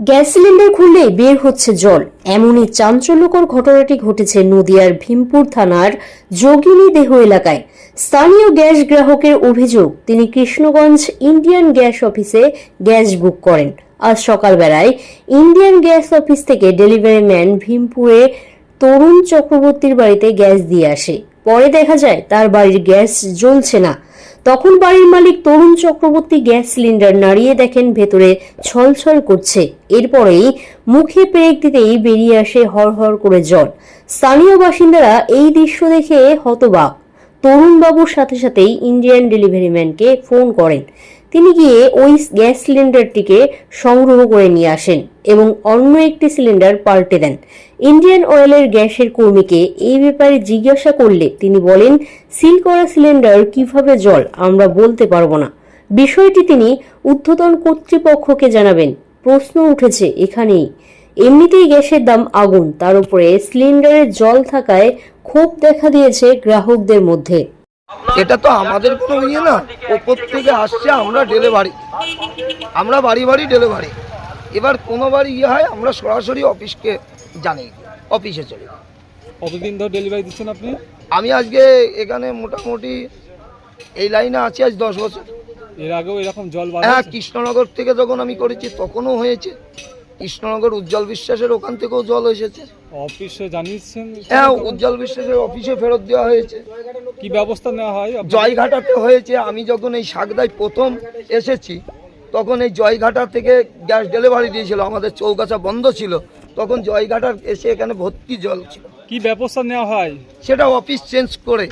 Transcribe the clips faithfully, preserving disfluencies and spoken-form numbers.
Gas cylinder খুললেই বের হচ্ছে জল, এমনই চাঞ্চল্যকর ঘটনাটি ঘটেছে নদিয়ার ভীমপুর থানার যোগিনী দেহ এলাকায়। স্থানীয় গ্যাস গ্রাহকের অভিযোগ, তিনি কৃষ্ণগঞ্জ ইন্ডিয়ান গ্যাস অফিসে গ্যাস বুক করেন। আজ সকালবেলায় ইন্ডিয়ান গ্যাস অফিস থেকে ডেলিভারি ম্যান ভীমপুরে তরুণ চক্রবর্তীর বাড়িতে গ্যাস দিয়ে আসে। পরে দেখা যায় তার বাড়ির গ্যাস জ্বলছে না। তখন বাড়ির মালিক তরুণ চক্রবর্তী গ্যাস সিলিন্ডার নাড়িয়ে দেখেন ভেতরে ছলছল করছে। এরপরেই মুখে পেরেক দিতেই বেরিয়ে আসে হরহর করে জল। স্থানীয় বাসিন্দারা এই দৃশ্য দেখে হতবাক। তরুণবাবুর সাথে সাথেই ইন্ডিয়ান ডেলিভারি ম্যানকে ফোন করেন। তিনি গিয়ে ওই গ্যাস সিলিন্ডারটিকে সংগ্রহ করে নিয়ে আসেন এবং অন্য একটি সিলিন্ডার পাল্টে দেন। ইন্ডিয়ান অয়েলের গ্যাসের কর্মীকে এই ব্যাপারে জিজ্ঞাসা করলে তিনি বলেন, সিল করা সিলিন্ডার কিভাবে জল আমরা বলতে পারবো না। বিষয়টি তিনি ঊর্ধ্বতন কর্তৃপক্ষকে জানাবেন। প্রশ্ন উঠেছে এখানেই, এমনিতেই গ্যাসের দাম আগুন, তার উপরে সিলিন্ডারে জল থাকায় ক্ষোভ দেখা দিয়েছে গ্রাহকদের মধ্যে। এটা তো আমাদের কোনো ইয়ে না, ওপর থেকে আসছে, আমরা ডেলিভারি, আমরা বাড়ি বাড়ি ডেলিভারি। এবার কোনো বাড়ি ইয়ে হয় আমরা সরাসরি অফিসকে জানি, অফিসে চলে। কতদিন ধরে ডেলিভারি দিচ্ছেন আপনি? আমি আজকে এখানে মোটামুটি এই লাইনে আছি আজ দশ বছর। এর আগেও এরকম জল? হ্যাঁ, কৃষ্ণনগর থেকে যখন আমি করেছি তখনও হয়েছে। কৃষ্ণনগর উজ্জ্বল বিশ্বাসের ওখান থেকেও জল এসেছে। অফিসে জানিয়েছেন? হ্যাঁ, উজ্জ্বল বিশ্বাসের অফিসে ফেরত দেওয়া হয়েছে। কি ব্যবস্থা নেওয়া হয়? জয়ঘাটাতে হয়েছে। আমি যখন এই শাকদায় প্রথম এসেছি তখন এই জয়ঘাটা থেকে গ্যাস ডেলিভারি দিয়েছিল, আমাদের চৌগাছা বন্ধ ছিল, তখন জয়ঘাটা এসে এখানে ভর্তি জল ছিল। কি ব্যবস্থা নেওয়া হয়? সেটা অফিস চেঞ্জ করে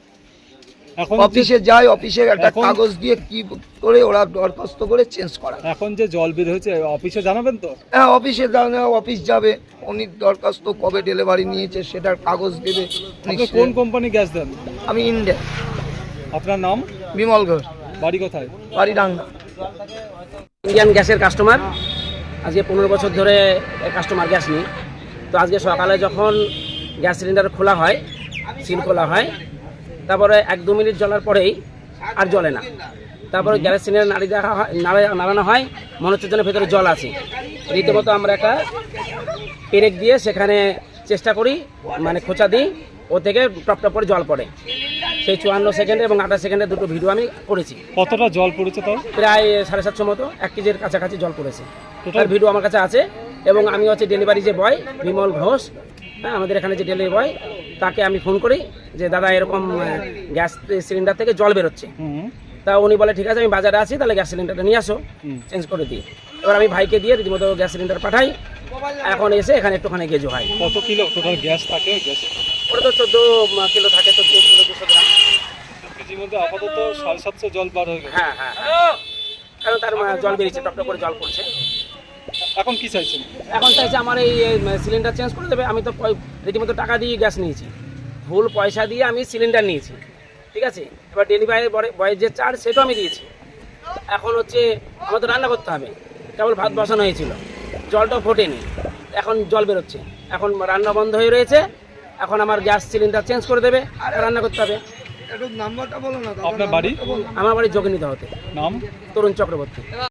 এখন অফিসে যায়, অফিসে একটা কাগজ দিয়ে কি করে ওরা দরখাস্ত করে চেঞ্জ করা। এখন যে জল বের হয়েছে অফিসে জানাবেন তো? হ্যাঁ, অফিসে জানা, অফিস যাবে, উনি দরখাস্ত কবে ডেলিভারি নিয়েছে সেটার কাগজ দেবে। আপনি কোন কোম্পানি গ্যাস দেন? আমি ইন্ডিয়া। আপনার নাম? বিমল ঘোষ। বাড়ি কোথায়? বাড়ি ডাঙ্গা। ইন্ডিয়ান গ্যাসের কাস্টমার, আজকে পনেরো বছর ধরে কাস্টমার গ্যাস নিই। তো আজকে সকালে যখন গ্যাস সিলিন্ডার খোলা হয়, সিল খোলা হয়, তারপরে এক দু মিনিট জ্বলার পরেই আর জ্বলে না। তারপরে গ্যাস সিলিন্ডার নাড়ি দেখা হয়, নাড়ানো হয়, মনে হচ্ছে যেন ভেতরে জল আছে। রীতিমতো আমরা একটা পেরেক দিয়ে সেখানে চেষ্টা করি, মানে খোঁচা দিই, ও থেকে টপ টপ করে জল পড়ে। সেই চুয়ান্ন সেকেন্ডে এবং আঠাশ সেকেন্ডে দুটো ভিডিও আমি করেছি। কতটা জল পড়েছে তাও? প্রায় সাড়ে সাতশো মতো, এক কেজির কাছাকাছি জল পড়েছে। টোটাল ভিডিও আমার কাছে আছে। এবং আমি হচ্ছে ডেলিভারি যে বয় বিমল ঘোষ, হ্যাঁ, আমাদের এখানে যে ডেলিভারি বয়, তাকে আমি ফোন করি যে দাদা এরকম গ্যাস সিলিন্ডার থেকে জল বেরোচ্ছে। তা উনি বলে ঠিক আছে, আমি বাজারে আছি, তাহলে গ্যাস সিলিন্ডারটা নিয়ে আসো, চেঞ্জ করে দিই। এবার আমি ভাইকে দিয়ে রীতিমতো গ্যাস সিলিন্ডার পাঠাই। এখন এসে এখানে একটুখানি গেজো হয়। কত কিলো টোটাল গ্যাস থাকে? গ্যাস ওটা তো চোদ্দো কিলো থাকে, চোদ্দো কিলো দুশো গ্রাম। কেজির মধ্যে আপাতত সাড়ে সাতশো জল বার হয়ে গেছে। হ্যাঁ হ্যাঁ, কারণ তার জল বেরিয়েছে, টপ টপ করে জল পড়ছে। এখন কি চাইছেন? এখন চাইছে আমার এই সিলিন্ডার চেঞ্জ করে দেবে। আমি তো রীতিমতো টাকা দিয়ে গ্যাস নিয়েছি, ভুল পয়সা দিয়ে আমি সিলিন্ডার নিয়েছি, ঠিক আছে। এবার ডেলিভারি বয়ের যে চার্জ সেটাও আমি দিয়েছি। এখন হচ্ছে আমার তো রান্না করতে হবে, কেবল ভাত বসানো হয়েছিল, জলটাও ফোটেনি, এখন জল বেরোচ্ছে। এখন রান্না বন্ধ হয়ে রয়েছে, এখন আমার গ্যাস সিলিন্ডার চেঞ্জ করে দেবে, রান্না করতে হবে। নাম্বারটা বলো না। আপনার বাড়ি? আমার বাড়ি যোগিনী দেহতে। নাম? তরুণ চক্রবর্তী।